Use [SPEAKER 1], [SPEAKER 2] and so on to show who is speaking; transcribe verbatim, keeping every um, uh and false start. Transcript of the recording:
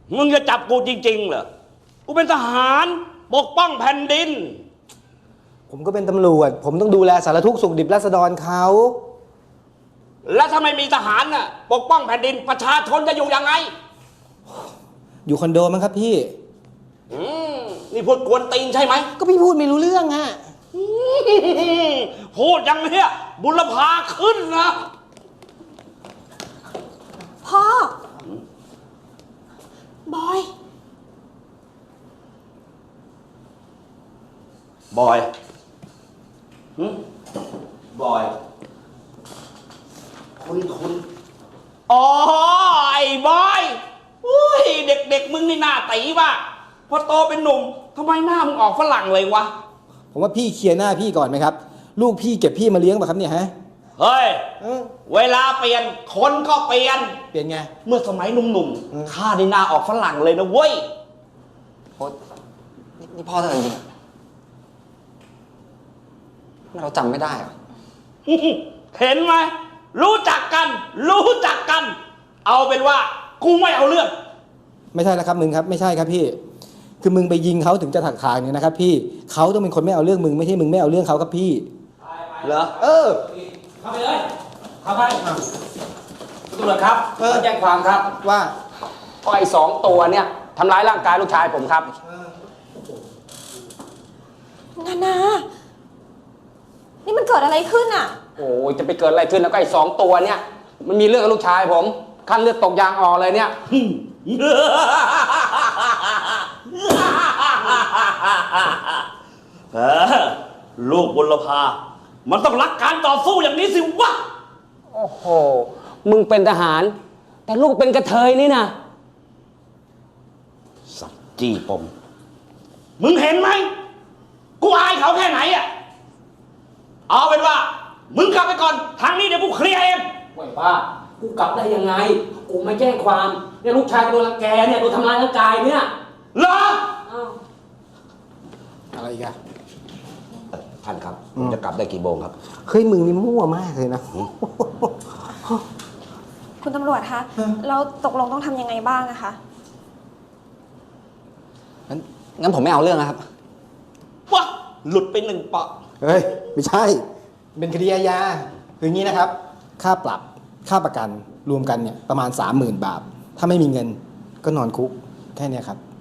[SPEAKER 1] มึงจะจับกูจริงๆเหรอกูเป็นทหารปกป้องแผ่นดิน
[SPEAKER 2] ผมก็เป็นตำรวจผมต้องดูแลสารทุกข์สุขดิบราษฎรเขา
[SPEAKER 1] แล้วถ้าไม่มีทหารน่ะปกป้องแผ่นดินประชาชนจะอยู่ยังไง
[SPEAKER 2] อยู่คอนโดมั้งครับพี่
[SPEAKER 1] อืมนี่พูดกวนตีนใช่ไหม
[SPEAKER 2] ก็พี่พูดไม่รู้เรื่องอะ
[SPEAKER 1] พูดอย่างเนี้ยบุรพาขึ้นนะ
[SPEAKER 3] พ่อ บอย
[SPEAKER 1] บอยหืมบอยคุณคุณอ๋อไอ้บอยอุ้ยเด็กๆมึงนี่หน้าตีป่ะพอโตเป็นหนุ่มทำไมหน้ามึงออกฝรั่งเลยวะ
[SPEAKER 2] ผมว่าพี่เคลียร์หน้าพี่ก่อนไหมครับลูกพี่เก็บพี่มาเลี้ยงป่ะครับเนี่ยฮะ
[SPEAKER 1] เฮ้ยเวลาเปลี่ยนคนก็เปลี่ยน
[SPEAKER 2] เปลี่ยนไง
[SPEAKER 1] เมื่อสมัยหนุ่มๆข้าได้หน้าออกฝรั่งเลยนะเว้ย
[SPEAKER 4] โอ๊ยนี่พ่อเธอจริงเราจำไม่ได้เหรอ
[SPEAKER 1] เห็นไหมรู้จักกันรู้จักกันเอาเป็นว่ากูไม่เอาเรื่อง
[SPEAKER 2] ไม่ใช่แล้วครับมึงครับไม่ใช่ครับพี่คือมึงไปยิงเขาถึงจะถักทางเนี่ยนะครับพี่เขาต้องเป็นคนไม่เอาเรื่องมึงไม่ใช่มึงไม่เอาเรื่องเขาครับพี่
[SPEAKER 1] เหรอ
[SPEAKER 2] เออ
[SPEAKER 1] เข้าไปเลยเข้าไปตำรวจครับแจ้งความครับ
[SPEAKER 2] ว่า
[SPEAKER 1] ก็ไอ้สองตัวเนี่ยทำร้ายร่างกายลูกชายผมครับ
[SPEAKER 3] นานานี่มันเกิดอะไรขึ้นอ่ะ
[SPEAKER 1] โอ้ยจะไปเกิดอะไรขึ้นแล้วก็ไอ้สองตัวเนี่ยมันมีเรื่องกับลูกชายผมขั้นเลือดตกยางออกเลยเนี่ยลูกบุรพามันต้องรักการต่อสู้อย่างนี้สิวะโอ้โหมึงเป็นทหารแต่ลูกเป็นกระเทยนี่นะสักจี้ปมมึงเห็นไหมกูอายเขาแค่ไหนอ่ะเอาเป็นว่ามึงกลับไปก่อนทางนี้เดี๋ยวกูเคลียร์เองไว้ป้ากูกลับได้ยังไงกูไม่แจ้งความเนี่ยลูกชายโดนรังแกเนี่ยโดนทำร้ายร่างกายเนี่ยเหรอ
[SPEAKER 2] อะไรอีกอะ
[SPEAKER 1] ท่านครับผมจะกลับได้กี่โมงครับ
[SPEAKER 2] เฮ้ยมึงนี่มั่วมากเลยนะ
[SPEAKER 3] คุณตำรวจคะเราตกลงต้องทำยังไงบ้างนะคะ
[SPEAKER 4] งั้นงั้นผมไม่เอาเรื่องนะครับ
[SPEAKER 1] วะหลุดไปหนึ่งปะ
[SPEAKER 2] เฮ้ยไม่ใช่เป็นคดีอาญาคืออย่างนี้นะครับค่าปรับค่าประกันรวมกันเนี่ยประมาณ สามหมื่น บาทถ้าไม่มีเงินก็นอนคุกแค่นี้ครับ